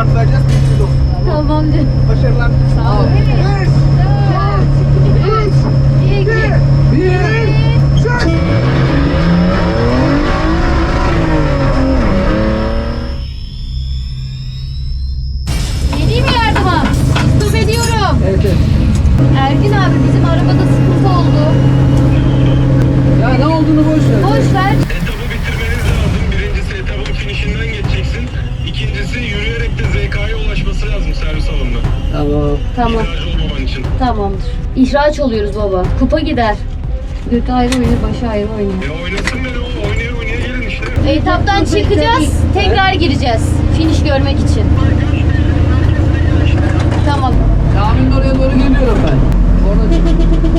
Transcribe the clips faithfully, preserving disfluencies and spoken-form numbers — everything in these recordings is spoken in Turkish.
şartlayacağız. Bilginiz olsun. Tamam canım. Başarılar. Sağ ol. Üç, Üç, iki, bir, bir. sür. Geleyim mi yardıma? Stop ediyorum. Evet evet. Ergin abi bizim arabada sıkıntı oldu. Ya ne olduğunu boş ver. Boş ver. Etabı bitirmeniz lazım. Birincisi etabın finişinden geçeceksin. İkincisi yürüyerek de Z K'ya ulaşması lazım servis alanına. Tamam. Tamam. İhtiyacı olmaman için. Tamamdır. İhraç oluyoruz baba. Kupa gider. Götü ayrı oynuyor, başı ayrı oynuyor. E oynasın beni o. Oynaya oynaya gelin işte. Etaptan çıkacağız. Tekrar gireceğiz. Finish görmek için. Tamam. Caminin oraya doğru geliyorum ben. Orada çık.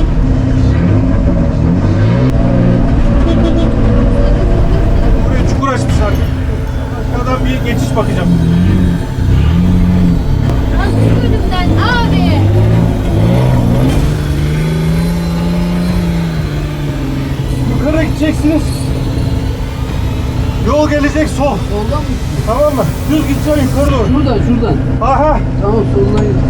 Buraya çukur açmışlar. Aşağıdan bir geçiş bakacağım. Nasıl önümden abi? Yukarı gideceksiniz. Yol gelecek sol. Soldan mı? Tamam mı? Düz gideceksin yukarı doğru. Şuradan şuradan. Aha. Tamam soldan git.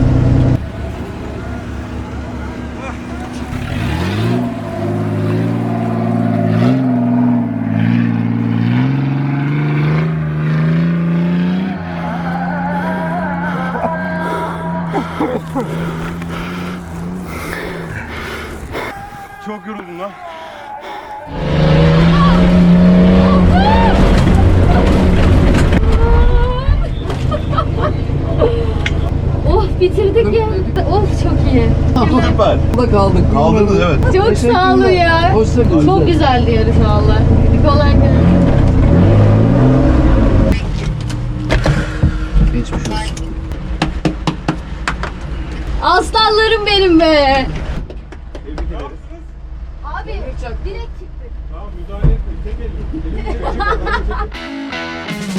Çok yoruldum lan. Oh bitirdik ya. Oh çok iyi. Süper. Burada kaldık. Kaldınız, evet. Çok sağ olun ya. Hoşça kalın. Çok güzeldi yarış valla. Kolay gelsin. Geçmiş olsun. Aslanlarım benim be. Tebrik ederiz. Abi direkt çıktık. Tamam müdahale etmeyin. Tek elle.